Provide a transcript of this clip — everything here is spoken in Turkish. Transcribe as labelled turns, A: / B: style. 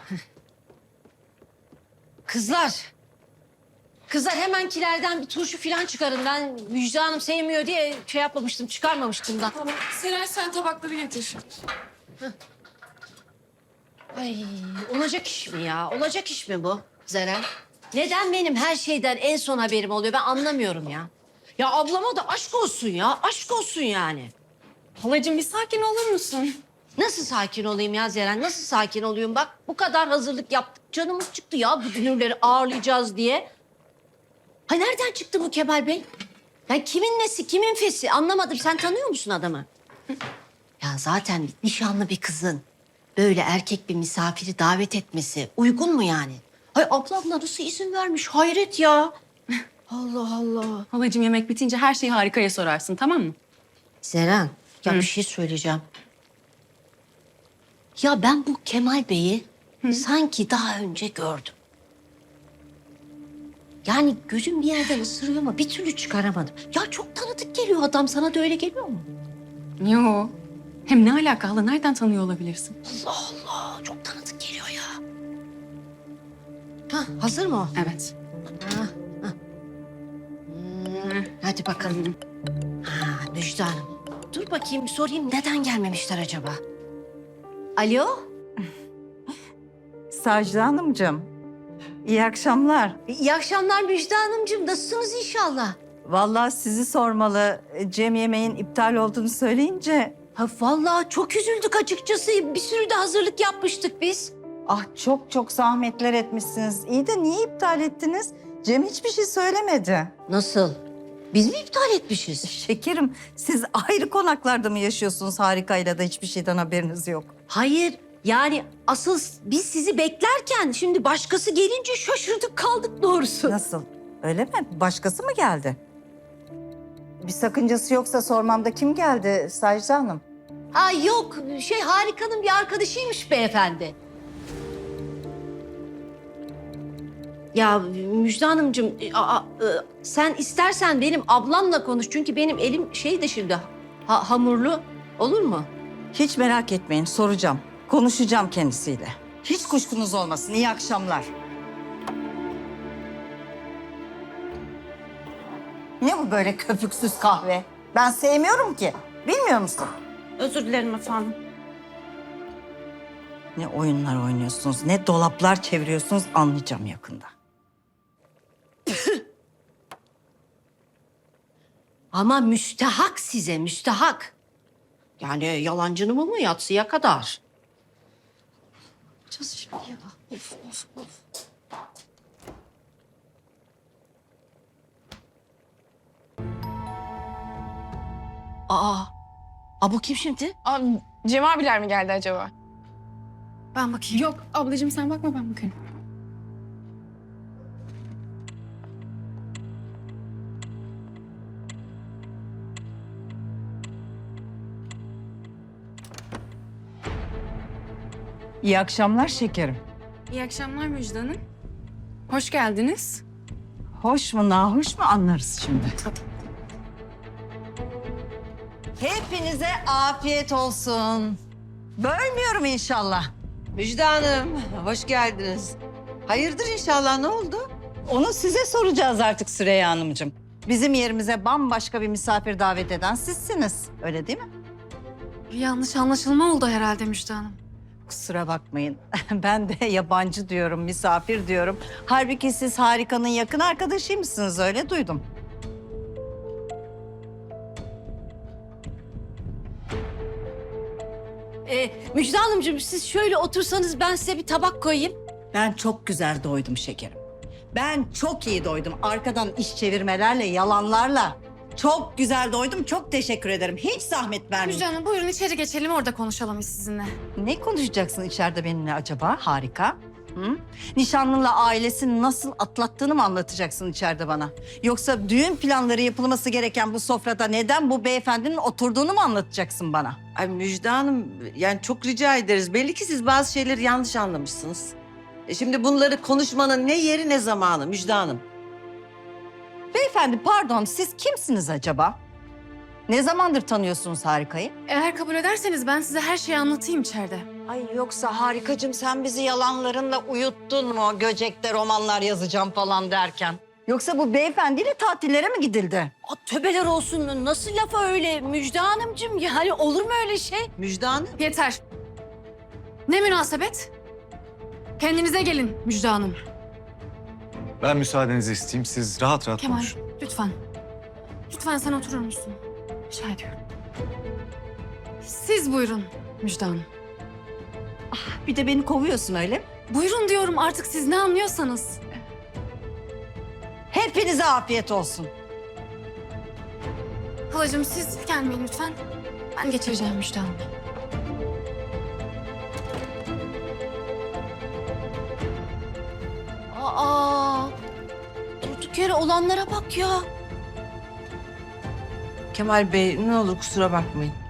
A: Kızlar. Kızlar hemenkilerden bir turşu falan çıkarın. Ben Müjde Hanım sevmiyor diye şey yapmamıştım, çıkarmamıştım da.
B: Tamam. Seren sen tabakları getir.
A: Ay, olacak iş mi ya? Olacak iş mi bu Zeren? Neden benim her şeyden en son haberim oluyor? Ben anlamıyorum ya. Ya ablama da aşk olsun ya. Aşk olsun yani.
B: Halacığım bir sakin olur musun?
A: Nasıl sakin olayım ya Zeren? Nasıl sakin olayım? Bak bu kadar hazırlık yaptık. Canımız çıktı ya bu dünürleri ağırlayacağız diye. Ha nereden çıktı bu Kemal Bey? Ya kimin nesi, kimin fesi anlamadım. Sen tanıyor musun adamı? Ya zaten nişanlı bir kızın böyle erkek bir misafiri davet etmesi uygun mu yani? Hay ablam nasıl izin vermiş? Hayret ya. Allah Allah.
B: Halacığım yemek bitince her şeyi Harika'ya sorarsın, tamam mı?
A: Zeren, ya bir şey söyleyeceğim. Ya ben bu Kemal Bey'i sanki daha önce gördüm. Yani gözüm bir yerden ısırıyor ama bir türlü çıkaramadım. Ya çok tanıdık geliyor adam. Sana da öyle geliyor mu?
B: Yo. Hem ne alakalı? Nereden tanıyor olabilirsin?
A: Allah Allah, çok tanıdık geliyor ya. Ha, hazır mı o?
B: Evet.
A: Ha, ha. Hadi bakalım. Ha, Müjde Hanım. Dur bakayım sorayım neden gelmemişler acaba? Alo?
C: Sacide Hanımcığım, iyi akşamlar.
A: İyi akşamlar Müjde Hanımcığım. Nasılsınız inşallah?
C: Vallahi sizi sormalı. Cem yemeğin iptal olduğunu söyleyince...
A: Ha vallahi çok üzüldük açıkçası. Bir sürü de hazırlık yapmıştık biz.
C: Ah çok çok zahmetler etmişsiniz. İyi de niye iptal ettiniz? Cem hiçbir şey söylemedi.
A: Nasıl? Biz mi iptal etmişiz?
C: Şekerim, siz ayrı konaklarda mı yaşıyorsunuz Harika'yla da hiçbir şeyden haberiniz yok?
A: Hayır. Yani asıl biz sizi beklerken şimdi başkası gelince şaşırdık kaldık doğrusu.
C: Nasıl? Öyle mi? Başkası mı geldi? Bir sakıncası yoksa sormamda kim geldi Sacide Hanım?
A: Ha yok Harika'nın bir arkadaşıymış beyefendi. Ya Müjde Hanımcığım sen istersen benim ablamla konuş. Çünkü benim elim şeydi şimdi hamurlu olur mu?
C: Hiç merak etmeyin, soracağım. Konuşacağım kendisiyle. Hiç kuşkunuz olmasın. İyi akşamlar. Ne bu böyle köpüksüz kahve? Ben sevmiyorum ki. Bilmiyor musun?
B: Özür dilerim efendim.
C: Ne oyunlar oynuyorsunuz, ne dolaplar çeviriyorsunuz anlayacağım yakında.
A: Ama müstehak size müstehak. Yani yalancının mı yatsıya kadar. Yapacağız şimdi ya. Of of of. Bu kim şimdi?
D: Abi, Cem abiler mi geldi acaba?
B: Ben bakayım. Yok ablacığım sen bakma ben bakayım.
C: İyi akşamlar şekerim.
B: İyi akşamlar Müjde Hanım. Hoş geldiniz.
C: Hoş mu nahoş mu anlarız şimdi. Hepinize afiyet olsun. Bölmüyorum inşallah.
E: Müjde Hanım, hoş geldiniz. Hayırdır inşallah, ne oldu?
C: Onu size soracağız artık Süreyya Hanımcığım. Bizim yerimize bambaşka bir misafir davet eden sizsiniz. Öyle değil mi?
B: Bir yanlış anlaşılma oldu herhalde Müjde Hanım.
C: Kusura bakmayın. Ben de yabancı diyorum, misafir diyorum. Halbuki siz Harika'nın yakın arkadaşıymışsınız, öyle duydum.
A: Müjde Hanımcığım siz şöyle otursanız ben size bir tabak koyayım.
C: Ben çok güzel doydum şekerim. Ben çok iyi doydum. Arkadan iş çevirmelerle, yalanlarla. Çok güzel doydum. Çok teşekkür ederim. Hiç zahmet
B: Müjde
C: vermeyin.
B: Hanım buyurun içeri geçelim orada konuşalım biz sizinle.
C: Ne konuşacaksın içeride benimle acaba? Harika. Hı? Nişanlınla ailesini nasıl atlattığını mı anlatacaksın içeride bana? Yoksa düğün planları yapılması gereken bu sofrada neden bu beyefendinin oturduğunu mu anlatacaksın bana?
E: Ay Müjde Hanım, yani çok rica ederiz. Belli ki siz bazı şeyleri yanlış anlamışsınız. Şimdi bunları konuşmanın ne yeri ne zamanı Müjde Hanım.
C: Beyefendi pardon, siz kimsiniz acaba? Ne zamandır tanıyorsunuz Harika'yı?
B: Eğer kabul ederseniz ben size her şeyi anlatayım içeride.
C: Ay yoksa Harikacığım sen bizi yalanlarınla uyuttun mu? Göcek'te romanlar yazacağım falan derken. Yoksa bu beyefendiyle tatillere mi gidildi?
A: Aa, tövbeler olsun. Nasıl lafa öyle Müjde Hanımcığım? Yani olur mu öyle şey?
E: Müjde Hanım.
B: Yeter. Ne münasebet? Kendinize gelin Müjde Hanım.
F: Ben müsaadenizi isteyeyim. Siz rahat rahat
B: Kemal,
F: konuşun.
B: lütfen. Lütfen sen oturur musun? Rica ediyorum. Siz buyurun Müjde Hanım.
C: Bir de beni kovuyorsun öyle mi?
B: Buyurun diyorum artık siz ne anlıyorsanız.
C: Hepinize afiyet olsun.
B: Halacığım siz gelmeyin lütfen. Ben geçireceğim Müjde Hanım.
A: Aa, durduk yere olanlara bak ya.
E: Kemal Bey ne olur kusura bakmayın.